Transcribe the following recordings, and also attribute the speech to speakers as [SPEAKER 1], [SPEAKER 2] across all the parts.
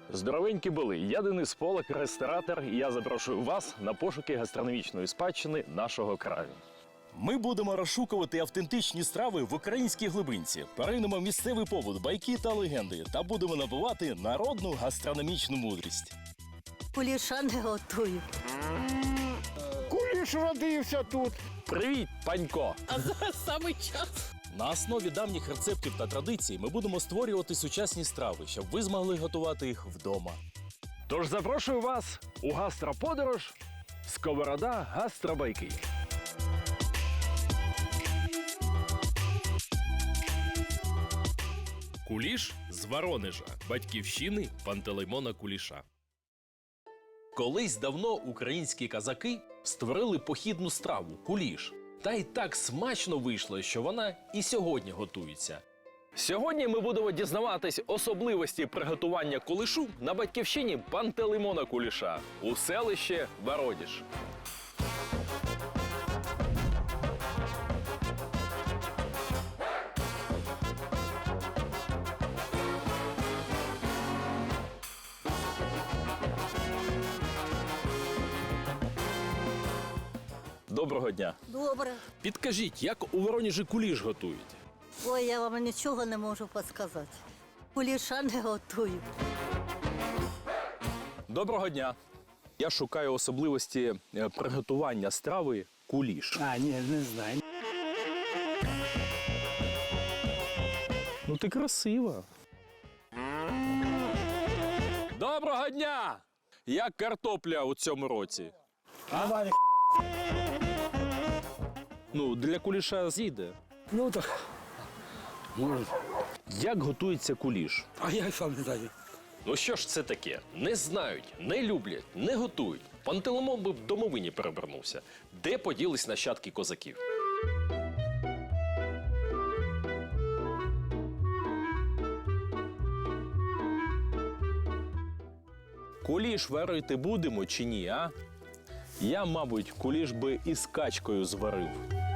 [SPEAKER 1] Здоровенькі були! Я Денис Полак, ресторатор, і я запрошую вас на пошуки гастрономічної спадщини нашого краю.
[SPEAKER 2] Ми будемо розшукувати автентичні страви в українській глибинці, перейдемо місцевий побут, байки та легенди та будемо набувати народну гастрономічну мудрість.
[SPEAKER 3] Куліша не готую.
[SPEAKER 4] Куліш родився тут.
[SPEAKER 1] Привіт, панько!
[SPEAKER 5] А зараз саме час.
[SPEAKER 2] На основі давніх рецептів та традицій ми будемо створювати сучасні страви, щоб ви змогли готувати їх вдома.
[SPEAKER 1] Тож запрошую вас у гастроподорож Сковорода гастробайки.
[SPEAKER 6] Куліш з Воронежа, батьківщини Пантелеймона Куліша.
[SPEAKER 2] Колись давно українські козаки створили похідну страву – куліш. Та й так смачно вийшло, що вона і сьогодні готується.
[SPEAKER 1] Сьогодні ми будемо дізнаватись особливості приготування кулішу на батьківщині Пантелеймона Куліша у селищі Воронеж. Доброго дня!
[SPEAKER 3] Добре.
[SPEAKER 1] Підкажіть, як у Воронежі куліш готують?
[SPEAKER 3] Ой, я вам нічого не можу підказати. Куліша не готую.
[SPEAKER 1] Доброго дня! Я шукаю особливості приготування страви куліш.
[SPEAKER 4] Ні, не знаю.
[SPEAKER 1] Ну ти красива. Доброго дня! Як картопля у цьому році?
[SPEAKER 4] Давай.
[SPEAKER 1] Ну, для куліша зійде.
[SPEAKER 4] Ну так. Може.
[SPEAKER 1] Як готується куліш?
[SPEAKER 4] А я сам не знаю.
[SPEAKER 1] Ну що ж це таке? Не знають, не люблять, не готують. Пантелеймон би в домовині перевернувся. Де поділись нащадки козаків? Куліш варити будемо чи ні, а? Я, мабуть, куліш би із качкою зварив.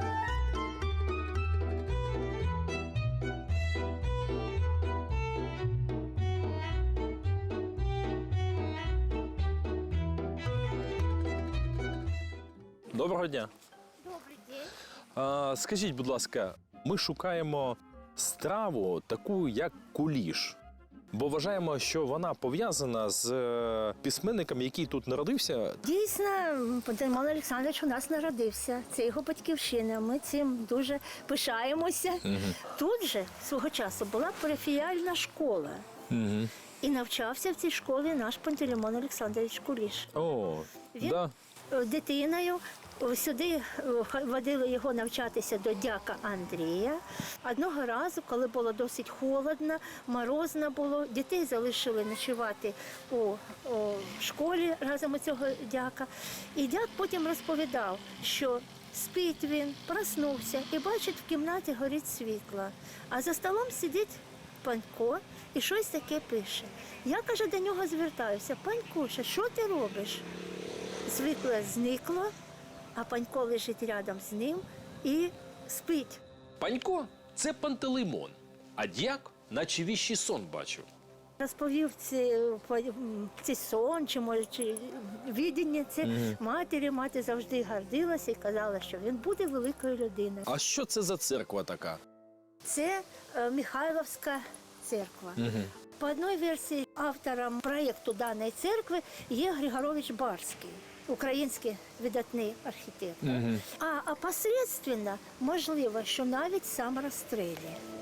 [SPEAKER 1] Доброго дня.
[SPEAKER 3] Добрий день.
[SPEAKER 1] Скажіть, будь ласка, ми шукаємо страву таку, як куліш. Бо вважаємо, що вона пов'язана з письменником, який тут народився.
[SPEAKER 7] Дійсно, Пантелеймон Олександрович у нас народився. Це його батьківщина. Ми цим дуже пишаємося. Тут же свого часу була парафіяльна школа. І навчався в цій школі наш Пантелеймон Олександрович Куліш.
[SPEAKER 1] О,
[SPEAKER 7] Він
[SPEAKER 1] да.
[SPEAKER 7] дитиною сюди водили його навчатися до дяка Андрія. Одного разу, коли було досить холодно, морозно було, дітей залишили ночувати у школі разом у цього дяка. І дяк потім розповідав, що спить він, проснувся і бачить, в кімнаті горить світло. А за столом сидить Панько і щось таке пише. Я, каже, до нього звертаюся: Панькуша, що ти робиш? Світло зникло, а Панько лежить рядом з ним і спить.
[SPEAKER 1] Панько – це Пантелеймон, а дяк наче віщий сон бачив.
[SPEAKER 7] Розповів цей сон, чи може чи відіння це матері. Мати завжди гордилася і казала, що він буде великою людиною.
[SPEAKER 1] А що це за церква така?
[SPEAKER 7] Це Михайловська церква. По одній версії автором проєкту даної церкви є Григорович Барський, український видатний архітектор. А посередственно, можливо, що навіть сам Растрелі.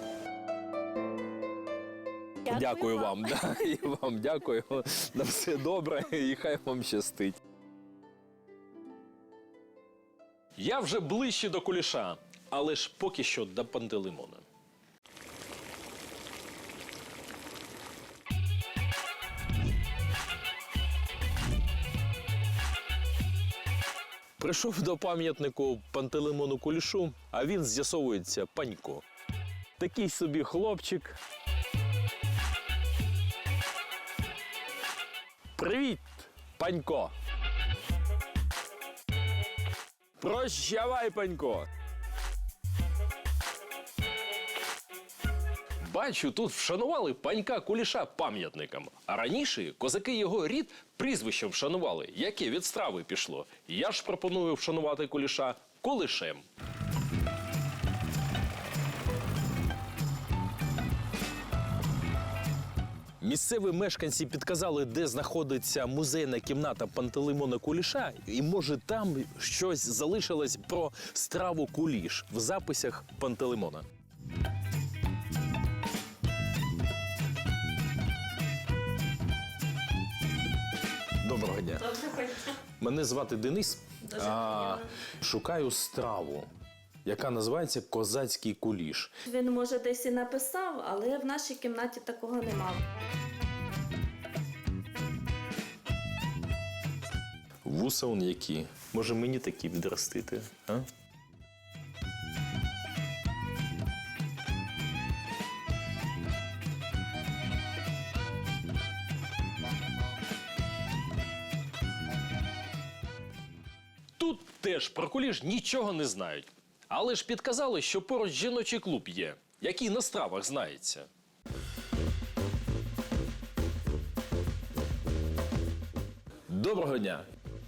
[SPEAKER 1] Дякую вам. Да, і вам дякую. На все добре і хай вам щастить. Я вже ближче до куліша, але ж поки що до Пантелеймона. Прийшов до пам'ятнику Пантелеймону Кулішу, а він, з'ясовується, Панько. Такий собі хлопчик. Привіт, Панько! Прощавай, Панько!
[SPEAKER 2] Бачу, тут вшанували панька Куліша пам'ятником. А раніше козаки його рід прізвищем вшанували, яке від страви пішло. Я ж пропоную вшанувати Куліша Кулишем.
[SPEAKER 1] Місцеві мешканці підказали, де знаходиться музейна кімната Пантелеймона Куліша, і може там щось залишилось про страву куліш в записях Пантелеймона. Доброго дня. Мене звати Денис. Шукаю страву, яка називається козацький куліш.
[SPEAKER 8] Він, може, десь і написав, але в нашій кімнаті такого немає.
[SPEAKER 1] Вуса он які. Може мені такі відростити, а?
[SPEAKER 2] Тут теж про куліш нічого не знають. Але ж підказали, що поруч жіночий клуб є, який на стравах знається.
[SPEAKER 1] Доброго дня.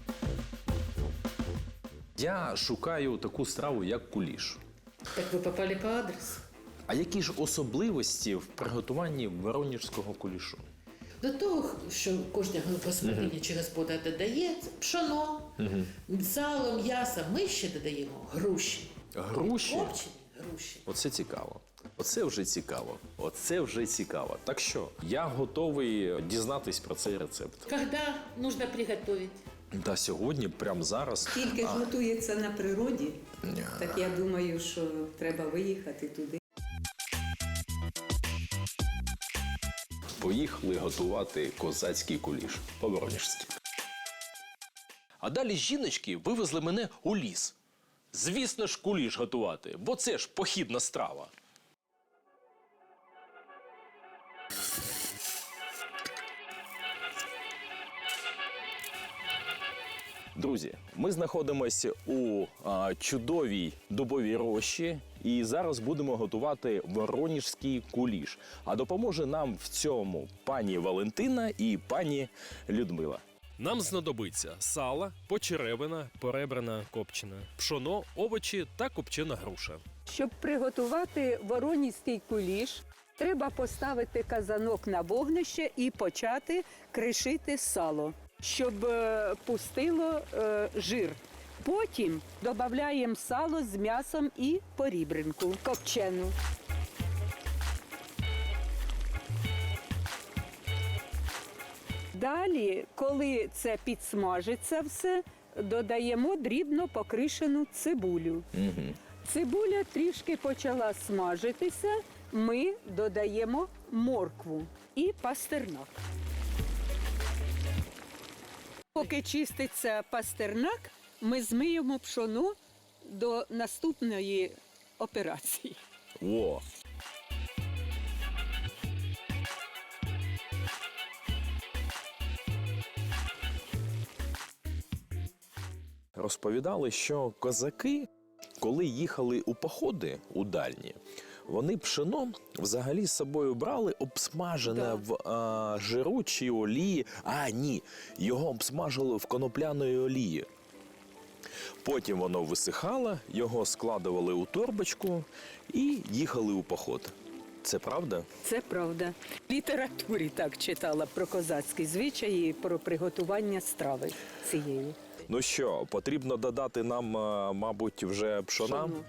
[SPEAKER 1] Я шукаю таку страву, як куліш.
[SPEAKER 5] Так ви попали по адресу.
[SPEAKER 1] А які ж особливості в приготуванні воронежського кулішу?
[SPEAKER 5] До того, що кожна господиня чи господар додає пшоно, сало, м'ясо, ми ще додаємо груші.
[SPEAKER 1] Груші?
[SPEAKER 5] Копчені груші.
[SPEAKER 1] Оце цікаво. Оце вже цікаво. Оце вже цікаво. Так що, я готовий дізнатись про цей рецепт.
[SPEAKER 5] Когда нужно приготовить?
[SPEAKER 1] Та сьогодні, прямо зараз.
[SPEAKER 9] Тільки ж готується на природі, так я думаю, що треба виїхати туди.
[SPEAKER 1] Поїхали готувати козацький куліш по-воронежськи.
[SPEAKER 2] А далі жіночки вивезли мене у ліс. Звісно ж, куліш готувати, бо це ж похідна страва.
[SPEAKER 1] Друзі, ми знаходимося у чудовій дубовій рощі і зараз будемо готувати воронежський куліш. А допоможе нам в цьому пані Валентина і пані Людмила.
[SPEAKER 6] Нам знадобиться сало, почеревина, поребрана копчена, пшоно, овочі та копчена груша.
[SPEAKER 10] Щоб приготувати воронізький куліш, треба поставити казанок на вогнище і почати кришити сало, щоб пустило жир. Потім додаємо сало з м'ясом і порібринку копчену. Далі, коли це підсмажиться все, додаємо дрібно покришену цибулю. Цибуля трішки почала смажитися, ми додаємо моркву і пастернак. Поки чиститься пастернак, ми змиємо пшоно до наступної операції.
[SPEAKER 1] О! Розповідали, що козаки, коли їхали у походи у дальні, вони пшено взагалі з собою брали обсмажене в жиру чи олії. А, ні, його обсмажили в конопляної олії. Потім воно висихало, його складували у торбочку і їхали у поход. Це правда?
[SPEAKER 10] Це правда. В літературі так читала про козацькі звичаї, про приготування страви цієї.
[SPEAKER 1] Ну що, потрібно додати нам, мабуть, вже пшона?
[SPEAKER 10] Пшоно.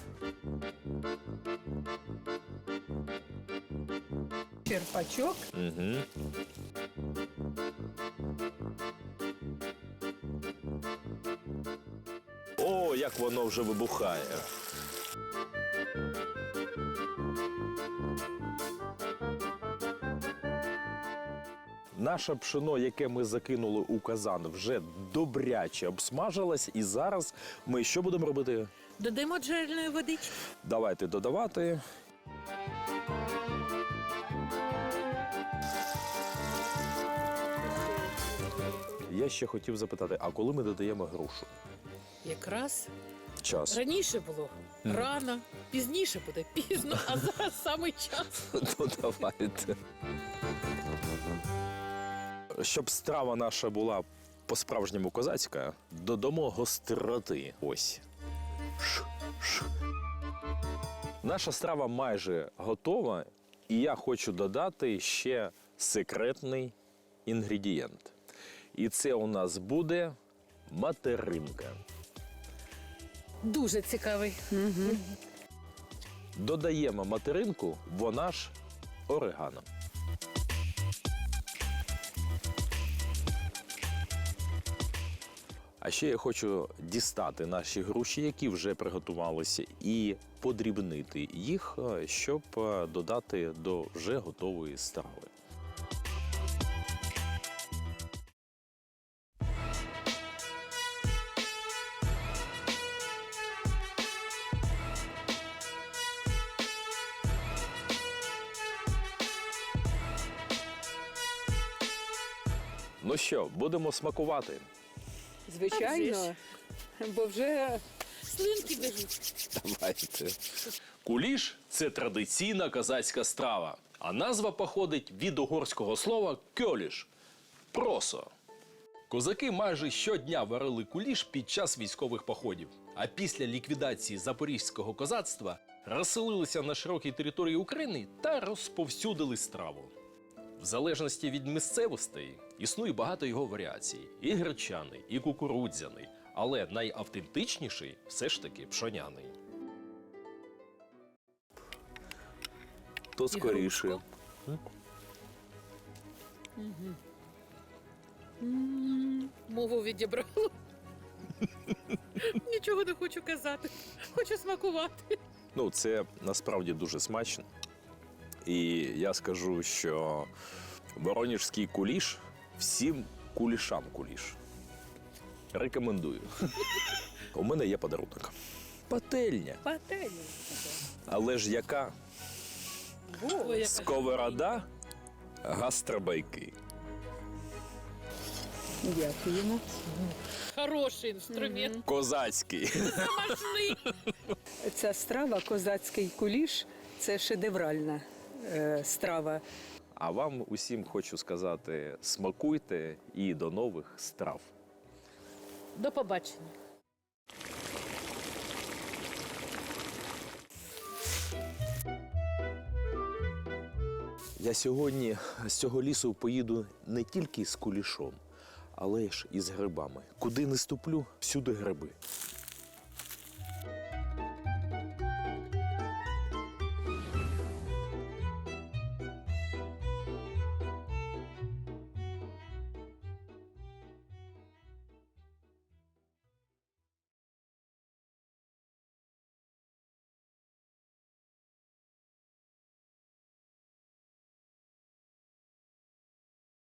[SPEAKER 10] Черпачок.
[SPEAKER 1] Угу. О, як воно вже вибухає. Наше пшено, яке ми закинули у казан, вже добряче обсмажилось. І зараз ми що будемо робити?
[SPEAKER 5] Додаємо джерельної водички.
[SPEAKER 1] Давайте додавати. Я ще хотів запитати, а коли ми додаємо грушу?
[SPEAKER 5] Якраз
[SPEAKER 1] час.
[SPEAKER 5] Раніше було рано, пізніше буде пізно, а зараз саме час.
[SPEAKER 1] Ну, давайте. Щоб страва наша була по-справжньому козацька, додамо гостроти. Ось. Наша страва майже готова, і я хочу додати ще секретний інгредієнт. І це у нас буде материнка.
[SPEAKER 5] Дуже цікавий.
[SPEAKER 1] Додаємо материнку, вона ж орегано. А ще я хочу дістати наші груші, які вже приготувалися, і подрібнити їх, щоб додати до вже готової страви. Ну що, будемо смакувати?
[SPEAKER 10] Звичайно, бо вже
[SPEAKER 5] Слинки біжуть.
[SPEAKER 1] Давайте.
[SPEAKER 2] Куліш – це традиційна козацька страва, а назва походить від угорського слова «кьоліш» – просо. Козаки майже щодня варили куліш під час військових походів, а після ліквідації запорізького козацтва розселилися на широкій території України та розповсюдили страву. В залежності від місцевостей існує багато його варіацій – і гречаний, і кукурудзяний, але найавтентичніший все ж таки пшоняний.
[SPEAKER 1] То скоріше.
[SPEAKER 5] Мову відібрала. Нічого не хочу казати. Хочу смакувати.
[SPEAKER 1] Ну, це насправді дуже смачно. І я скажу, що воронежський куліш всім кулішам куліш. Рекомендую. У мене є подарунок. Пательня.
[SPEAKER 5] Пательня.
[SPEAKER 1] Але ж яка?
[SPEAKER 5] Ой, яка
[SPEAKER 1] Сковорода, гастробайки.
[SPEAKER 10] дякуємо.
[SPEAKER 5] хороший інструмент.
[SPEAKER 1] Козацький.
[SPEAKER 5] Смачний.
[SPEAKER 10] Ця страва, козацький куліш, це шедевральна страва.
[SPEAKER 1] А вам усім хочу сказати, смакуйте і до нових страв.
[SPEAKER 5] До побачення.
[SPEAKER 1] Я сьогодні з цього лісу поїду не тільки з кулішом, але ж і з грибами. Куди не ступлю, всюди гриби.